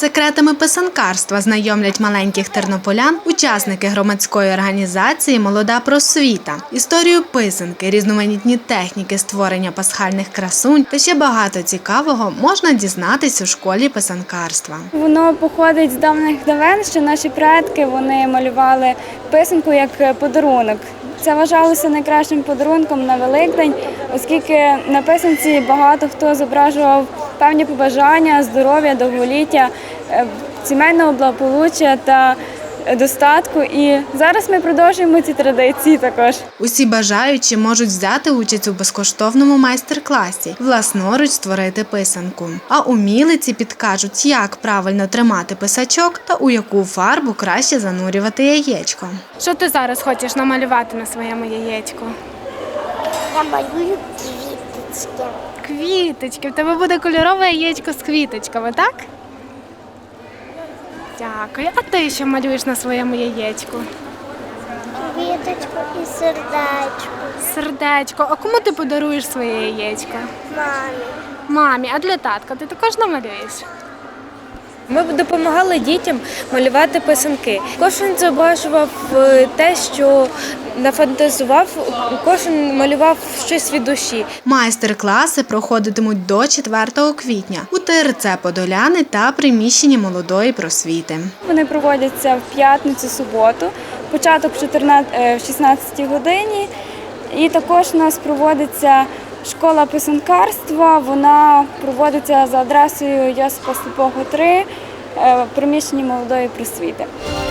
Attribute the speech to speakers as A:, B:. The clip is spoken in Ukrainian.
A: секретами писанкарства знайомлять маленьких тернополян учасники громадської організації «Молода просвіта». Історію писанки, різноманітні техніки створення пасхальних красунь та ще багато цікавого можна дізнатись у школі писанкарства.
B: Воно походить з давних давен, що наші предки вони малювали писанку як подарунок. Це вважалося найкращим подарунком на Великдень, оскільки на писанці багато хто зображував певні побажання, здоров'я, довголіття, сімейного благополуччя та достатку. І зараз ми продовжуємо ці традиції також.
A: Усі бажаючі можуть взяти участь у безкоштовному майстер-класі, власноруч створити писанку. А умілиці підкажуть, як правильно тримати писачок та у яку фарбу краще занурювати яєчко.
C: Що ти зараз хочеш намалювати на своєму яєчку?
D: Я малюю квіточки.
C: Квіточки. В тебе буде кольорове яєчко з квіточками, так? Дякую. А ти що малюєш на своєму яєчку?
D: Квіточку і сердечко.
C: Сердечко. А кому ти подаруєш своє яєчко?
D: Мамі.
C: Мамі. А для татка ти також намалюєш?
E: Ми допомагали дітям малювати писанки. Кожен зображував те, що нафантазував, кожен малював щось від душі.
A: Майстер-класи проходитимуть до 4 квітня у ТРЦ «Подоляни» та приміщенні «Молодої просвіти».
B: Вони проводяться в п'ятницю, суботу, початок в 16 годині. І також у нас проводиться школа писанкарства, вона проводиться за адресою Йосипа Сліпого, 3, в приміщенні «Молодої просвіти».